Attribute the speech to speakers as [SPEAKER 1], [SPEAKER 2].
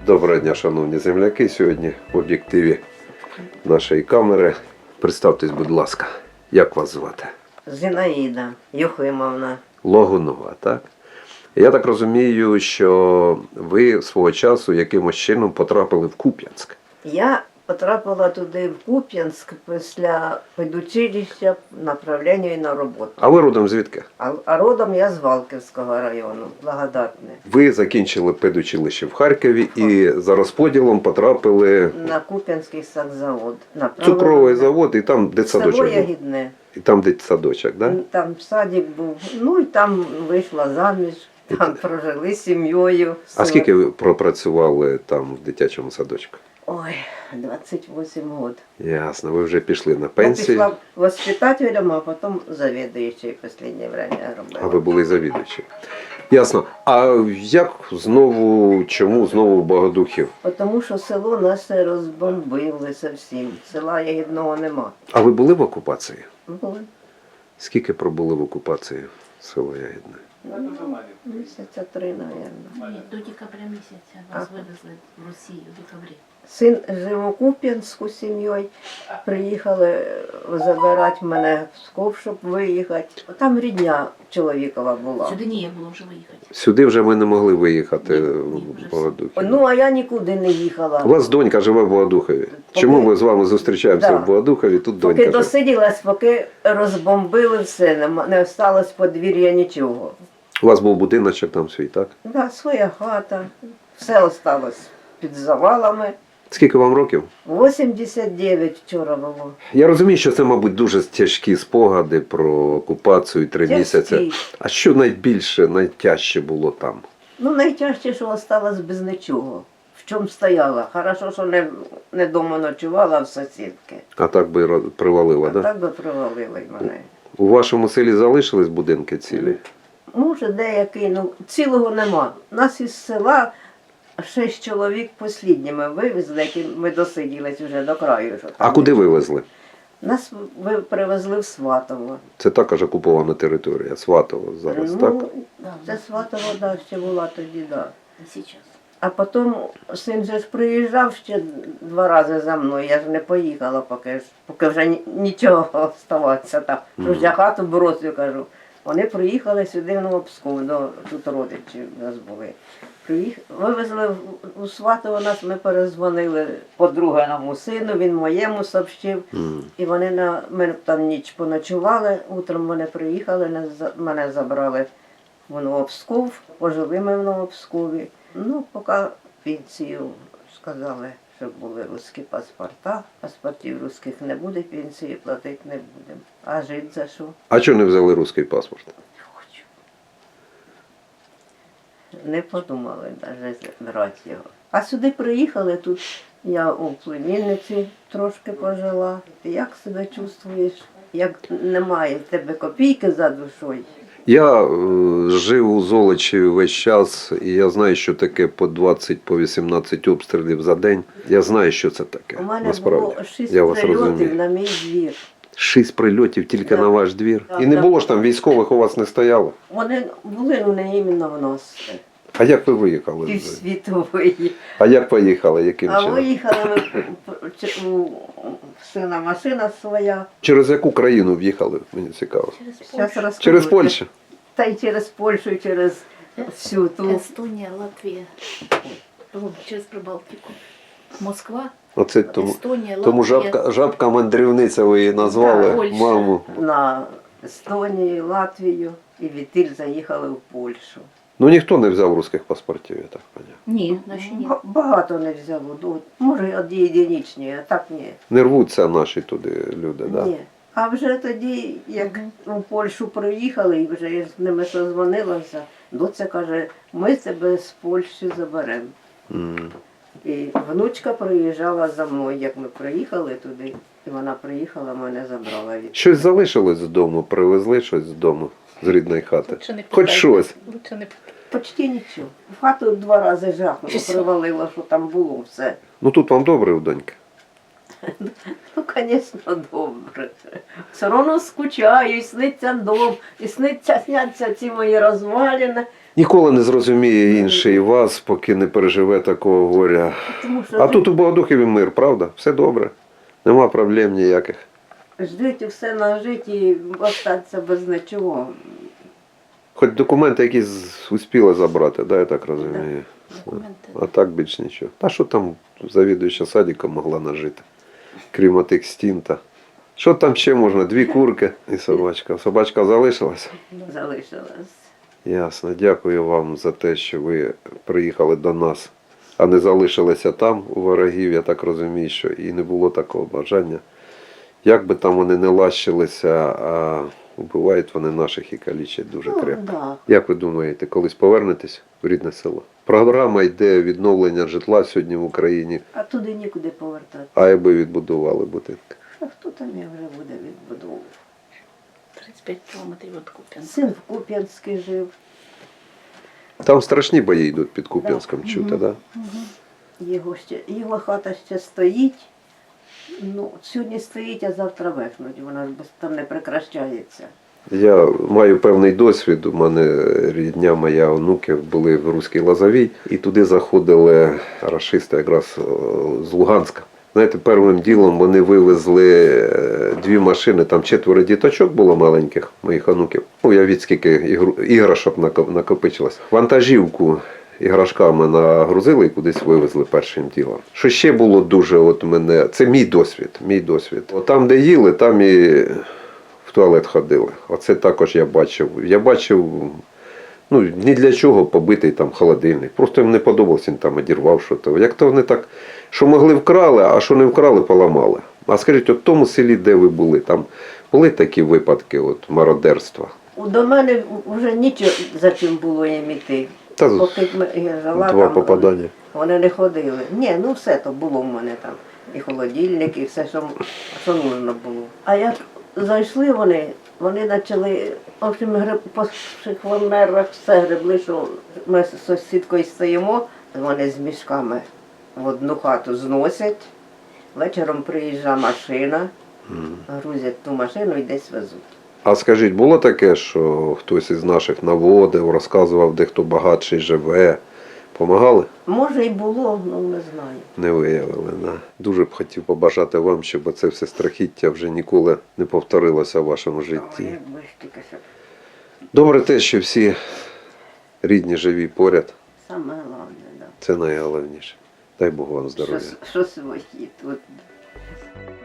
[SPEAKER 1] Доброго дня, шановні земляки. Сьогодні в об'єктиві нашої камери. Представтесь, будь ласка, як вас звати?
[SPEAKER 2] Зінаїда Юхимовна.
[SPEAKER 1] Логунова, так? Я так розумію, що ви свого часу якимось чином потрапили в Куп'янськ.
[SPEAKER 2] Я потрапила туди в Куп'янськ після педучилища в направленні на роботу.
[SPEAKER 1] А ви родом звідки?
[SPEAKER 2] А родом я з Валківського району, Благодатне.
[SPEAKER 1] Ви закінчили педучилище в Харкові і за розподілом потрапили
[SPEAKER 2] На Куп'янський сакзавод.
[SPEAKER 1] в цукровий завод і там
[SPEAKER 2] Село
[SPEAKER 1] дитсадочок був.
[SPEAKER 2] Ягідне.
[SPEAKER 1] І там дитсадочок, так? Да?
[SPEAKER 2] Там садик був. Ну і там вийшла заміж, там прожили з сім'єю.
[SPEAKER 1] А скільки ви пропрацювали там в дитячому садочку?
[SPEAKER 2] Ой, 28 років.
[SPEAKER 1] Ясно, ви вже пішли на
[SPEAKER 2] Я
[SPEAKER 1] пенсію,
[SPEAKER 2] пішла воспитателем, а потім завідуючий в останнє время робила.
[SPEAKER 1] а ви були завідувачі. Ясно. А як знову, чому знову в Богодухів?
[SPEAKER 2] Тому що село наше розбомбили зовсім. Села Ягідного нема.
[SPEAKER 1] А ви були в окупації?
[SPEAKER 2] Були.
[SPEAKER 1] Скільки пробули в окупації село Ягідне?
[SPEAKER 2] Місяця 3, мабуть.
[SPEAKER 3] Ні, до декабря місяця нас вивезли в Росію в декабрі.
[SPEAKER 2] Син жив у Куп'янську з сім'єю. Приїхали забирати мене в Псков, щоб виїхати. Там рідня чоловікова була.
[SPEAKER 3] Сюди ніяк було вже виїхати.
[SPEAKER 1] Сюди вже ми не могли виїхати
[SPEAKER 3] Ні,
[SPEAKER 1] в
[SPEAKER 3] вже
[SPEAKER 1] Богодухів.
[SPEAKER 2] Ну, а я нікуди не їхала.
[SPEAKER 1] У вас донька живе в Богодухові. Чому ми з вами зустрічаємося
[SPEAKER 2] Да.
[SPEAKER 1] в Богодухові, тут донька
[SPEAKER 2] Поки
[SPEAKER 1] живе?
[SPEAKER 2] досиділась, поки розбомбили все, не осталось подвір'я нічого.
[SPEAKER 1] У вас був будиночок там свій, так?
[SPEAKER 2] Да, своя хата, все осталось під завалами.
[SPEAKER 1] Скільки вам років?
[SPEAKER 2] 89 вчора було.
[SPEAKER 1] Я розумію, що це, мабуть, дуже тяжкі спогади про окупацію 3
[SPEAKER 2] Тяжкі.
[SPEAKER 1] місяці. А що найбільше, найтяжче було там?
[SPEAKER 2] Ну, найтяжче, що осталось без нічого. В чому стояла. Хорошо, що не дома ночувала, а в сусідки.
[SPEAKER 1] А так би привалило,
[SPEAKER 2] А
[SPEAKER 1] так? Да?
[SPEAKER 2] так би привалили мене.
[SPEAKER 1] У вашому селі залишились будинки цілі?
[SPEAKER 2] Може, деякий, ну, цілого нема. Нас із села 6 чоловік послідніми вивезли, які ми досиділись вже до краю. Що
[SPEAKER 1] А
[SPEAKER 2] там.
[SPEAKER 1] куди вивезли?
[SPEAKER 2] Нас привезли в Сватово.
[SPEAKER 1] Це також окупована територія, Сватово зараз, так?
[SPEAKER 2] Ну, це Сватово, да, ще була тоді, да.
[SPEAKER 3] І зараз.
[SPEAKER 2] А потім син же ж приїжджав ще 2 рази за мною, я ж не поїхала, поки вже нічого оставатися там. Тож я хату бросив, кажу. Вони приїхали сюди в Новопсков, тут родичі в нас були. Вивезли у Сватово нас, ми перезвонили подруганому сину, він моєму сообщив. І вони ми там ніч поночували, утром вони приїхали, мене забрали в Новопсков, пожили ми в Новопскові. Ну, поки пенсію сказали, щоб були русські паспорта. Паспортів русських не буде, пенсії платити не будемо. А жити за що?
[SPEAKER 1] А чого не взяли русський паспорт?
[SPEAKER 2] Хочу. Не подумали навіть брати його. А сюди приїхали, тут я у племінниці трошки пожила. Ти як себе чувствуєш? Як немає в тебе копійки за душою?
[SPEAKER 1] Я жив у Золочі весь час, і я знаю, що таке по 20, по 18 обстрілів за день. Я знаю, що це таке,
[SPEAKER 2] У мене
[SPEAKER 1] насправді.
[SPEAKER 2] було 6
[SPEAKER 1] Я вас
[SPEAKER 2] прильотів
[SPEAKER 1] розумію.
[SPEAKER 2] на мій двір.
[SPEAKER 1] 6 прильотів тільки
[SPEAKER 2] Да.
[SPEAKER 1] на ваш двір.
[SPEAKER 2] Да,
[SPEAKER 1] І не
[SPEAKER 2] да.
[SPEAKER 1] було ж там військових у вас не стояло?
[SPEAKER 2] Вони були, ну не іменно в нас.
[SPEAKER 1] А як ви виїхали?
[SPEAKER 2] Півсвітової.
[SPEAKER 1] А як поїхали? Яким
[SPEAKER 2] А
[SPEAKER 1] чином?
[SPEAKER 2] виїхали ми, у сина машина своя.
[SPEAKER 1] Через яку країну в'їхали? Мені цікаво.
[SPEAKER 3] Через
[SPEAKER 2] Щас
[SPEAKER 3] Польщу.
[SPEAKER 2] розкажу.
[SPEAKER 1] Через Польщу?
[SPEAKER 2] Та й через Польщу, і через всю ту.
[SPEAKER 3] Естонія, Латвія. Через Прибалтику. Москва,
[SPEAKER 1] Оце тому,
[SPEAKER 3] Естонія,
[SPEAKER 1] тому
[SPEAKER 3] Латвія.
[SPEAKER 1] жабка мандрівниця ви її назвали,
[SPEAKER 3] Да, Польща.
[SPEAKER 1] маму.
[SPEAKER 2] На Естонію, Латвію і відтіль заїхали в Польщу.
[SPEAKER 1] Ну ніхто не взяв русських паспортів, я так поняв.
[SPEAKER 3] Ні, наші ні.
[SPEAKER 2] Багато не взяло. Ну, може, од єдинічні, а так ні.
[SPEAKER 1] Не рвуться наші туди люди, так? Да?
[SPEAKER 2] Ні. А вже тоді, як у Польщу приїхали, і вже я з ними созвонилася, доця каже, ми тебе з Польщі заберемо.
[SPEAKER 1] М.
[SPEAKER 2] І внучка приїжджала за мною, як ми приїхали туди, і вона приїхала, мене забрала від.
[SPEAKER 1] Щось залишилось з дому, привезли щось з дому, з рідної хати.
[SPEAKER 3] Лучше не
[SPEAKER 1] Хоч
[SPEAKER 3] питайте.
[SPEAKER 1] щось.
[SPEAKER 3] Лучше не питайте.
[SPEAKER 2] Почти нічого. В хату 2 рази жахнуло,
[SPEAKER 3] Щось.
[SPEAKER 2] привалило, що там було все.
[SPEAKER 1] Ну тут вам добре у доньки.
[SPEAKER 2] Ну, звісно, добре. Все одно скучаю, і сниться дом, і сняться ці мої розвалини.
[SPEAKER 1] Ніколи не зрозуміє інший вас, поки не переживе такого горя.
[SPEAKER 2] Тому що
[SPEAKER 1] А тут у Богодухові мир, правда? Все добре. Нема проблем ніяких.
[SPEAKER 2] ждуть і все нажити і остатися без нічого.
[SPEAKER 1] Хоч документи якісь успіли забрати, да, я так розумію.
[SPEAKER 3] Документи.
[SPEAKER 1] А так більш нічого. А що там завідуюча садиком могла нажити? Крім отих стін та. Що там ще можна? 2 курки і собачка. Собачка залишилась?
[SPEAKER 2] Залишилось.
[SPEAKER 1] Ясно. Дякую вам за те, що ви приїхали до нас, а не залишилися там у ворогів. Я так розумію, що і не було такого бажання. Як би там вони не лащилися, а вбивають вони наших і калічать дуже крепко.
[SPEAKER 2] Да.
[SPEAKER 1] Як ви думаєте, колись повернетесь в рідне село? Програма йде відновлення житла сьогодні в Україні,
[SPEAKER 2] А туди нікуди повертати.
[SPEAKER 1] а якби відбудували будинки.
[SPEAKER 2] А хто там я вже буде відбудовувати?
[SPEAKER 3] 35 кілометрів від Куп'янська.
[SPEAKER 2] Син в Куп'янській жив.
[SPEAKER 1] Там страшні бої йдуть під Куп'янськом, чути, да?
[SPEAKER 2] Його хата ще стоїть. Ну, сьогодні стоїть, а завтра вихнуть. Вона ж там не прекращається.
[SPEAKER 1] Я маю певний досвід. У мене рідня моя онуки були в Руській Лозовій, і туди заходили рашисти якраз з Луганська. Знаєте, першим ділом вони вивезли 2 машини, там 4 діточок було маленьких, моїх онуків. Уявіть, скільки іграшок накопичилось. Вантажівку іграшками нагрузили і кудись вивезли першим ділом. Що ще було дуже, от мене, це мій досвід. От там, де їли, там і в туалет ходили. Оце також я бачив. Я бачив, ну, ні для чого побитий там холодильник. Просто їм не подобалося, він там одірвав щось. Як то вони так, що могли вкрали, а що не вкрали, поламали. А скажіть, от в тому селі, де ви були, там були такі випадки от, мародерства?
[SPEAKER 2] До мене вже нічого за чим було їм іти.
[SPEAKER 1] Та
[SPEAKER 2] Поки я жила,
[SPEAKER 1] 2
[SPEAKER 2] там
[SPEAKER 1] попадання.
[SPEAKER 2] вони не ходили. Ні, ну все то було в мене там. І холодильник, і все, що нужно було. А як зайшли вони почали, в общем, по шихвонерах все гребли, що ми з сусідкою стоїмо, вони з мішками в одну хату зносять. Вечором приїжджає машина, грузять ту машину і десь везуть.
[SPEAKER 1] А скажіть, було таке, що хтось із наших наводив, розказував, де хто багатший живе? Помагали?
[SPEAKER 2] Може і було, ну не знаю.
[SPEAKER 1] Не виявили. Да. Дуже б хотів побажати вам, щоб це все страхіття вже ніколи не повторилося в вашому житті.
[SPEAKER 2] Якби ж тільки що.
[SPEAKER 1] Добре те, що всі рідні живі поряд.
[SPEAKER 2] Саме головне, да.
[SPEAKER 1] Це найголовніше. Дай Бог вам здоров'я.
[SPEAKER 2] Що свої тут.